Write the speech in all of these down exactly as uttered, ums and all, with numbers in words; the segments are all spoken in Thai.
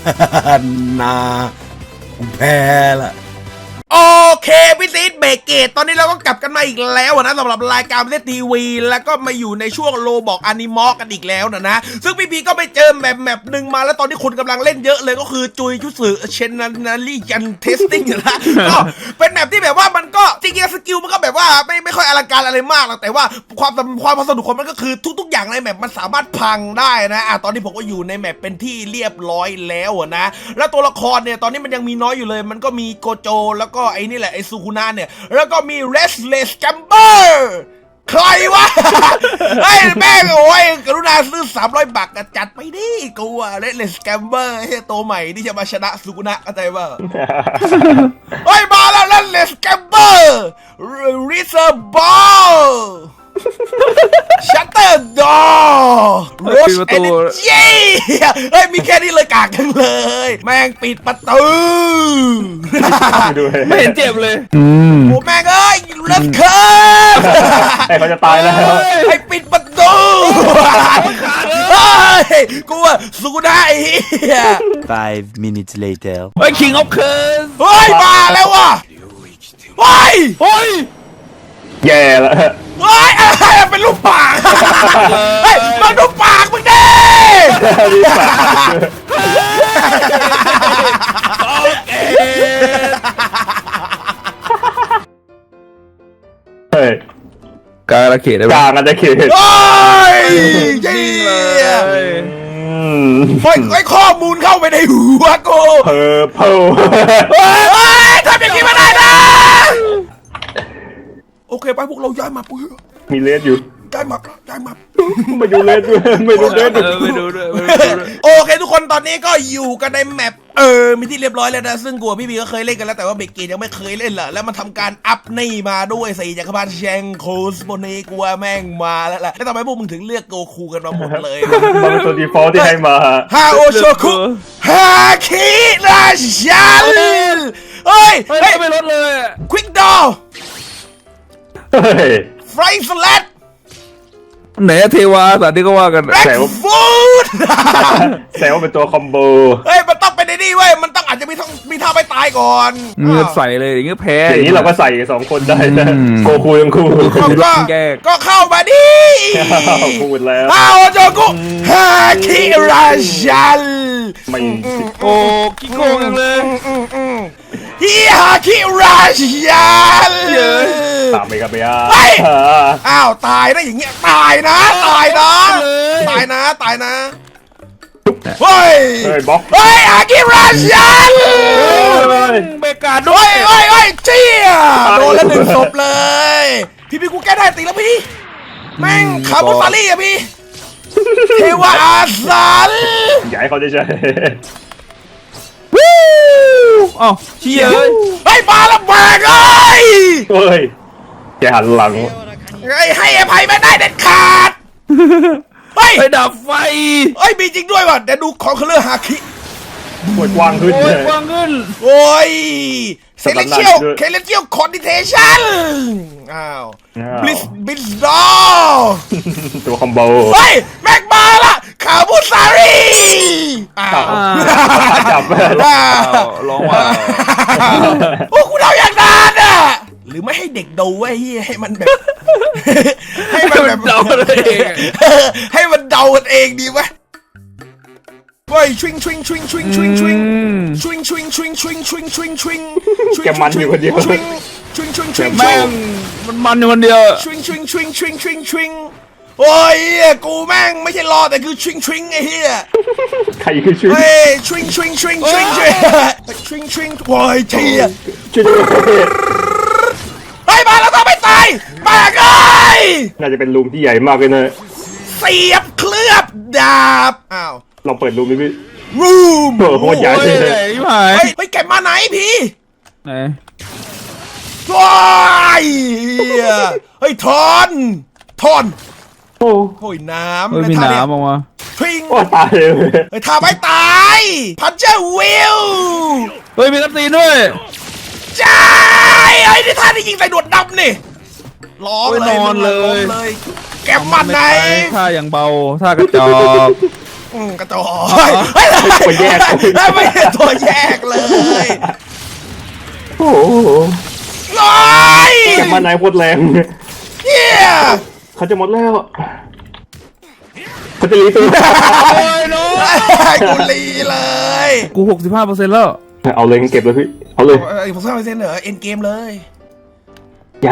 นาผมแพ้ละโอเคพี่ซีดเบรกเกตตอนนี้เราก็กลับกันมาอีกแล้วนะสำหรับรายการเล่นทีวีแล้วก็มาอยู่ในช่วงโลบอกอนิมอกันอีกแล้วนะนะซึ่งพี่พีก็ไปเจอแมปแมปหนึ่งมาแล้วตอนนี้คนกำลังเล่นเยอะเลยก็คือจุยชุสึเชนนารีจันเทสติ้งนะก็เป็นแมปที่แบบว่ามันก็จริงๆสกิลมันก็แบบว่าไม่ไม่ค่อยอลังการอะไรมากหรอกแต่ว่าความความสนุกของมันก็คือทุกๆอย่างในแมปมันสามารถพังได้นะอ่ะตอนนี้ผมก็อยู่ในแมปเป็นที่เรียบร้อยแล้วนะแล้วตัวละครเนี่ยตอนนี้มันยังมีน้อยอยู่เลยมันก็มีโกโจแล้วก็ไอ้นี่แหละไอ้ซูคุนะเนี่ยแล้วก็มี Restless Gamber ใครวะ ไอ้แม่งโอ้ยกรุณาซื้อสามร้อยบาทจัดไปดิกูอะ Restless Gamber ไอ้ตัวใหม่ที่จะมาชนะซูคุนะเข้าใจป่ะ เฮ้ยมาแล้ว Restless Gamber Reserve Ball Shutter Door Rush Energy เฮ้ยมีแค่นี้เลยกากกันเลยแม่งปิดประตูไม่เห็นเจ็บเลยโอ้แม่งเอ้ยเลิศเคิร์ฟไอ้เขาจะตายแล้วไอ้ปิดประตูเฮ้ยกูว่าสู้ได้เฮีย Five minutes later เฮ้ย King of Curse เฮ้ยมาแล้วว่ะเฮ้ยเฮ้ยแย่แล้วเฮ้ยอะไรเป็นรูปปากเฮ้ยมาดูปากมึงดิเฮ้ยกลางระเขตได้ไหมกลางอาจจะเขตเฮ้ยจริงเลยเฮ้ยไอ้ข้อมูลเข้าไปในหัวกูเพอเพอเฮ้ยทำอย่างนี้ไม่ได้นะโอเคไปพวกเราย้ายมาปุ๊บมีเลสอยู่ย้ายมาย้ายมาไม่ดูเลสด้วยไม่ดูเลสด้วยไม่ดูด้วยโอเคทุกคนตอนนี้ก็อยู่กันในแมปเออมีที่เรียบร้อยแล้วนะซึ่งกูพี่บีก็เคยเล่นกันแล้วแต่ว่าเบเกตยังไม่เคยเล่นแหละแล้วมันทำการอัพนี่มาด้วยสี่จักรพรรดิแชงโคสโบนีกูว่าแม่งมาแล้วแหละแล้วทำไมพวกมึงถึงเลือกโกคูกันมาหมดเลยมันเป็นตัวดีฟอลต์ที่ให้มาฮาโอโชคุฮาคิราชันเฮ้ยไม่ลดเลยควิกดอลไฟสแลตไหนเทวาสัตว์ที่ก็ว่ากันแซวฟูดแซวเป็นตัวคอมโบเฮ้ยมันต้องเป็นไอ้นี่เว้ยมันต้องอาจจะมีท่ามีท่าไปตายก่อนเงือใส่เลยอย่างเงี้ยแพ้อย่างนี้เราก็ใส่สองคนได้นะโกคูยังคูก็ก็เข้ามาดิพูดแล้วอ้าวโจกุฮาคิราชันไม่โอ้กิโกงเลยฮิฮาคิราชันตามไปกันไปอ่ะอ้าวตายนะอย่างเงี้ยตายนะตายนะตายนะตายนะเฮ้ยเฮ้ยบล็อกเฮ้ยอากิราชันเบกาด้วยเฮ้ยเฮ้ยเจี๊ยโดนแล้วหนึ่งศพเลยพี่พี่กูแก้ได้ตีแล้วพี่แม่งคาบุซารี่อะพี่เทวะอาสันอยากให้เขาได้ใช่วู้อ้าวเชี่ยเฮ้ยไอ้ปลาละแบกเอ้ยเฮ้ยแกหันหลังไอ้ให้อภัยไม่ได้เด็ดขาดเฮ้ยไปดับไฟเฮ้ยมีจริงด้วยว่ะเดี๋ยวดูของเคลื่อนฮาคิปวดกว้างขึ้นเลยกว้างขึ้นโอ้ยเซเลเชียลเคเลเชียลคอนดิเทชันอ้าวบลิสบิสดอตัวคอมโบเฮ้ยแม็กมาละคาบุซารีอ้าวจับร้องว่าโอ้กูเดาอย่างนั้นอ่ะหรือไม่ให้เด็กดูไว้ให้มันแบบให้มันแบบเดาเองให้มันเดากันเองดีวะเฮ้ยชวิงชวิงชวิงชวิงชวิงชวิงชวิงชวิงชวิงชวิงชวิงชวิงชวิงแกมันอยู่คนเดียวชวิงชวิงชวิงชวิงแม่งมันมันอยู่คนเดียวชวิงชวิงชวิงชวิงชวิงชวิงโอ้ยกูแม่งไม่ใช่รอแต่คือชวิงชวิงไอ้เหี้ยใครคือชวิงเฮ้ยชวิงชวิงชวิงชวิงชวิงชวิงชวิงโอ้ยเจี๊ยเฮ้ยมาแล้วก็ไม่ตายมาไงน่าจะเป็นรูมที่ใหญ่มากเลยนะเสียบเคลือบดาบอ้าวลองเปิดรูมดิพี่รูมโคตรใหญ่เลยเฮ้ยเฮ้ยแกมาไหนพี่ไหนว้ายเฮ้ยทอนทอนโอ้โหน้ำไม่มีน้ำออกมาพิงโอ้ตายเลยเฮ้ยทำไม่ตายพันเจอร์วิลเฮ้ยมีน้ำตีนด้วยจ้าไอ้ที่ท่าที่ยิงใส่ดวดดำนี่ร้องเลยนอนเลยแกมันไหนท่าอย่างเบาท่ากระจอกโอืมกระจอกเฮ้ยเฮ้ยตัวแยกไม่ใช่ตัวแยกเลยโอ้โหร้อยมานายโคตรแรงเฮียเขาจะหมดแล้วเขาจะรีตัวโอ้ยน้องกูรีเลยกูหกสิบห้าเปอร์เซ็นต์แล้วเอาเลยเก็บเลยพี่เอาเลยไอ้ผมสร้างเซนเหรอเอ็นเกมเลยอย่า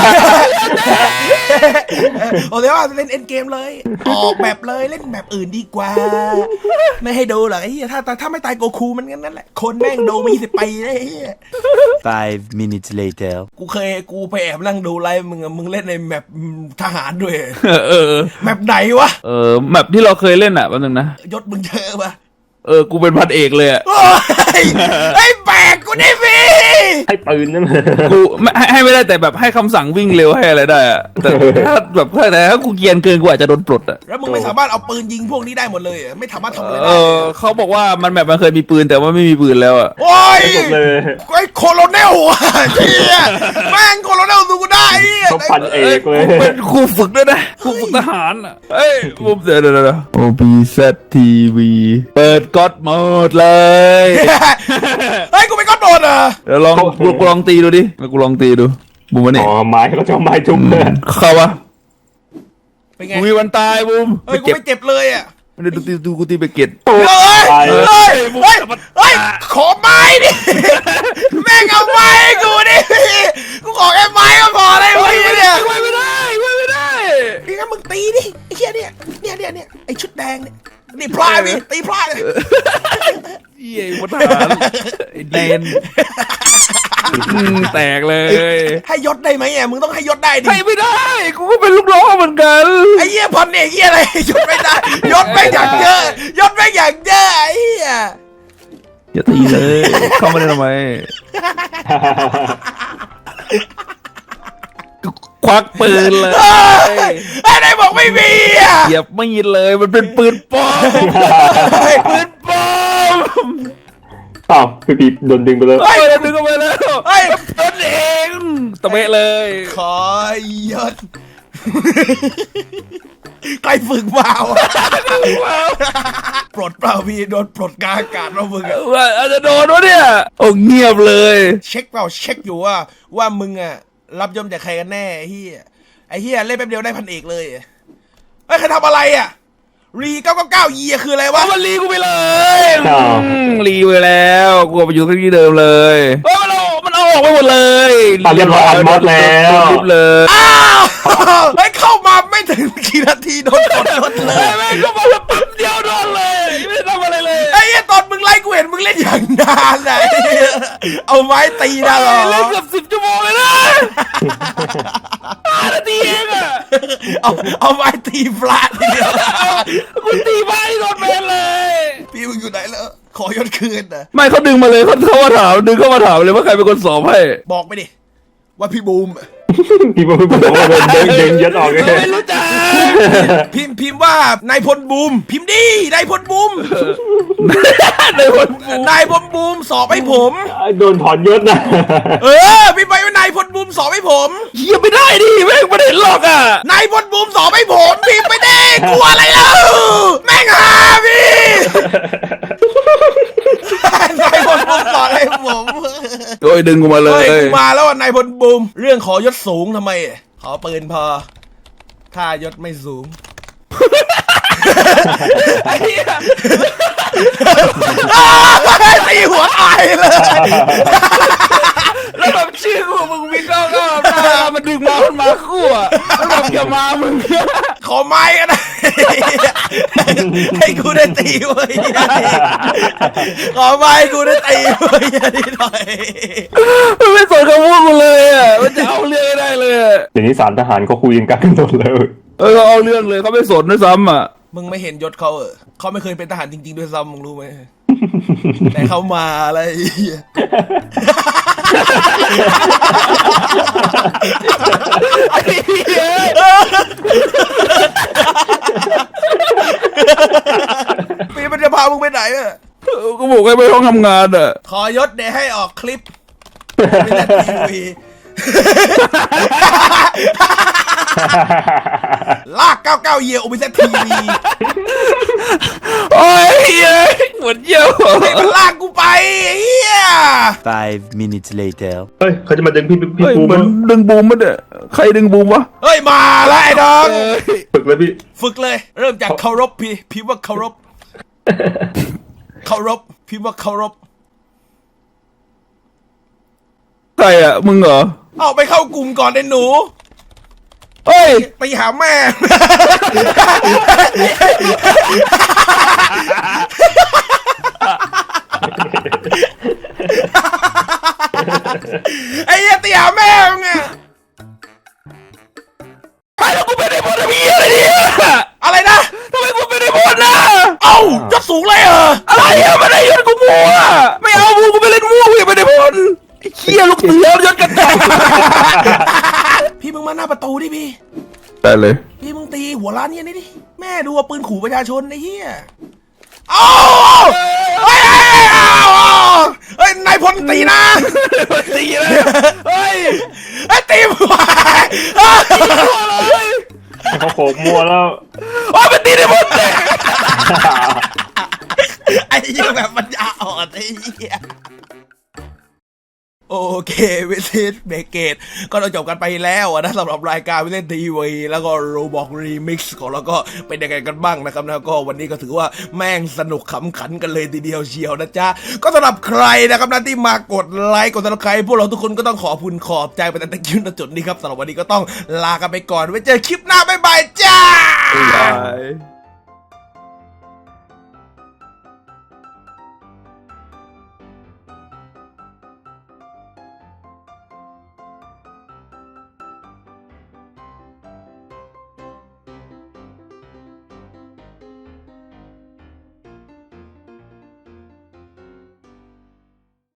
โอ้เดี๋ยวว่าเล่นเอ็นเกมเลย ออกแบบเลยเล่นแบบอื่นดีกว่า ไม่ให้ดูหรอกไอ้เหี้ยถ้าถ้าไม่ตายโกคูมันงั้นนั่นแหละคนแม่งดูมีสิบปีเลยไอ้เหี้ย Five minutes later. กูเคยกูไปแอบนั่งดูไลฟ์มึงอะมึงเล่นในแมปทหารด้วยเออเออแมปไหนวะเออแมปที่เราเคยเล่นอ่ะแป๊บนึงนะยศมึงเจอปะเออกูเป็นพันเอกเลยอ่ะโอ้ยไอ้แบกกูได้พี่ให้ปืนนั่นกูไม่ให้ให้ไม่ได้แต่แบบให้คำสั่งวิ่งเร็วให้อะไรได้อะแต่ถ้าแบบแต่ถ้ากูเกรียนเกินกูอาจจะโดนปลดอ่ะแล้วมึงไม่สามารถเอาปืนยิงพวกนี้ได้หมดเลยอะไม่สามารถทำอะไรเอได้อเขาบอกว่ามันแบบมันเคยมีปืนแต่ว่าไม่มีปืนแล้วอ่ะโอ้ยหมดเลยไอ้โคโลเนลอะเชี่ยแม่งโคโลเนลดูกูได้ไอ้เหี้ยเขาพันเอกเลยกูเป็นครูฝึกด้วยนะครูฝึกทหารอ่ะเอ้ยมุมเดี๋ยวเดี๋ยวเดี๋ยวโอพีเซทีวีเปิดก๊อตโหมดเลยเฮ้ยกูเป็นก้อนโดนเหรอเดี๋ยวลองกูกูลองตีดูดิแล้วกูลองตีดูบูมวะนี่อ๋อไม้เขาจะเอาไม้จุ่มเลยเข้าวะเป็นไงกูมีวันตายบูมเฮ้ยกูเจ็บไม่เจ็บเลยอ่ะไม่ได้ดูตีดูกูตีไปเก็ตเฮ้ยตายเฮ้ยเฮ้ยเฮ้ยขอไม้ดิแม่งเอาไม้ให้กูดิกูขอแค่ไม้ก็พอเลยเว้ยเนี่ยไว้ไม่ได้ไว้ไม่ได้พี่งั้นมึงตีดิไอ้เหี้ยเนี่ยเนี่ยเนี่ยเนี่ยไอ้ชุดแดงเนี่ยนี่พลาดพี่ตีพลาดเลยเยี่ยมทหารไอ้เดนอืมแตกเลยให้ยศได้ไหมอ่ะมึงต้องให้ยศได้ดิให้ไม่ได้กูก็เป็นลูกน้องเหมือนกันไอ้เหี้ยพันเอกเหี้ยอะไรยศไม่ได้ยศไม่งอย่างเยอะยศไม่งอย่างเยอะไอ้เหี้ยอย่าตีเลยเข้ามาได้ทำไมควักปืนเลยไอ้ไหนบอกไม่มีอ่ะเหยียบไม่ยินเลยมันเป็นปืนปลอมปืนปลอมเปล่าพี่ปีโดนดึงไปเลยเฮ้ยดึงเข้าไปแล้วเฮ้ยตนเองตะเบะเลยขอยศใครฝึกมาวะปลดเปล่าพี่โดนปลดกลางอากาศแล้วมึงอะว่าอาจจะโดนวะเนี่ยโอ้เงียบเลยเช็คเปล่าเช็คอยู่ว่าว่ามึงอะรับยมจากใครกันแน่ไอ้เฮียไอ้เฮียเล่นแป๊บเดียวได้พันเอกเลยอะเฮ้ยใครทำอะไรอะรีเก้าเก้าเก้ายีคืออะไรวะเอามันรีกูไปเลยอืมรีไปแล้วกูเอาไปอยู่ที่เดิมเลยเฮ้ยมันเอามันเอาออกไปหมดเลยตอนเรียบร้อยอันมอสแล้วรีบเลยอ้าวเฮ้ยเข้ามาไม่ถึงกี่นาทีโดนกดยศเลเฮ้ยยแม่งก็มาแล้วปั๊บเดียวโดนเลยไม่ได้ทำอะไรเลยไอ้เฮียตอนมึงไล่กูเห็นมึงเล่นอย่างนานอะเอาไม้ตีนะเหรอเล่นเกือบสิบชั่วโมงเลยนะห้านาทีเองอะเอาเอาไม้ตีฟลาดทีเดียวกูตีไปโดนแมนเลยพี่มึงอยู่ไหนแล้วขอยศคืนนะไม่เขาดึงมาเลยเขาเข้ามาถามดึงเข้ามาถามเลยว่าใครเป็นคนสอบให้บอกไปดิว่าพี่บูมพี่บอกพี่บอกว่าโดนดึงดึงยัดออกเลยไม่รู้จักพิมพ์พิมพ์ว่านายพลบูม พิมพ์ดินายพลบูมในคนนายพลบูมสอบให้ผมโดนถอนยศนะเออพี่ไปว่านายพลบูมสอบให้ผมเฮียไม่ได้ดิแม่งไม่ได้หรอกอ่ะนายพลบูมสอบให้ผมพิมพ์ไปดิกลัวอะไรแล้วแม่งหาพี่ นายพลบูมสอบให้ผมโอ้ยดึงกูมาเลเฮ้ยยกูมาแล้วอ่ะนายพลบูมเรื่องขอยศสูงทำไมขอปืนพอถ้ายศไม่สูงไอ้เหี้ยตีหัวตายเลยแล้วแบบชื่อกูมึงมีก้าวก้าวหน้ามันดึงมามันมาคู่อ่ะแล้วแบบจะมามึงขอไม้กันนะให้กูได้ตีเว้ยขอไม้กูได้ตีเว้ยนิดหน่อยมันไม่สนคำพูดกูเลยอ่ะมันจะเอาเรื่องให้ได้เลยอะเดี๋ยวนี้สารทหารเขาคุยกันกันหมดเลยเออเขาเอาเรื่องเลยเขาไม่สนด้วยซ้ำอ่ะมึงไม่เห็นยศเขาเออเขาไม่เคยเป็นทหารจริงๆด้วยซ้ำมึงรู้ไหมแต่เขามาอะไรเหี้ยไอ้เหี้ยปีมันจะพามึงไปไหนอะกูบอกให้ไปห้องทำงานอ่ะขอยศเดี๋ยวให้ออกคลิปไม่ได้ทีวีลากเก้าสิบเก้าเยียร์โอเปเซตทีวีโอ้ยเฮ้ยหมดเยี่ยวให้มันลากกูไปไอ้เหี้ย Five minutes later. เฮ้ยเขาจะมาดึงพี่พี่เฮ้ยปูมัมานดึงบูมมันเนี่ยใครดึงบูมวะเฮ้ยมาแล้วไอ้น้องเอ้ยฝึกเลยพี่ฝึกเลย เริ่มจากเคารพพี่พี่ว่าเคารพเคารพพี่ว่าเคารพใครอ่ะมึงเหรอเอาไปเข้ากลุ่มก่อนไอ้หนูเฮ้ยไปหาแม่ ไอ้เหี้ยตีหาแม่มึงอะไปแล้วกูเป็นไอ้บอลมีอะไรเนี่ยอะไรนะทำไมกูเป็นไอ้บอลนะเอ้ายศสูงเลยเหรออะไรอ่ะไม่ได้ยศกูมัวไม่เอามูกูไปเล่นมั่วกูอย่าไปไอ้บอลไอ้เขี้ยลูกเสือยศกันแตกพี่มึงมาหน้าประตูดิพี่ได้เลยพี่มึงตีหัวร้านเนี่ยนี่ดิ แม่ดูว่าปืนขู่ประชาชนไอ้เหี้ยเอ้าเฮ้ยเฮ้ยเอ้าเฮ้ยนายพลตีนะตีเลยเฮ้ยไอ้ยตีหัวเขาโขกมัวแล้วโอ้ยมันตีได้หมดเลยไอ้เหี้ยแบบปัญญาอ่อนไอ้เหี้ยโอเควิสิตเบเกตก็เราจบกันไปแล้วอะนะสำหรับรายการวิเล่นทีวีแล้วก็โรบอกรีมิกซ์ของเราก็เป็นยังไงกันบ้างนะครับนะก็วันนี้ก็ถือว่าแม่งสนุกขำขันกันเลยทีเดียวเชียวนะจ๊ะก็สำหรับใครนะครับนะที่มากดไลค์กดซับสไครป์พวกเราทุกคนก็ต้องขอบคุณขอบใจไปแต่ตะกี้ณจุดนี้ครับสำหรับวันนี้ก็ต้องลากันไปก่อนไว้เจอคลิปหน้าบ๊ายบายจ้าบาย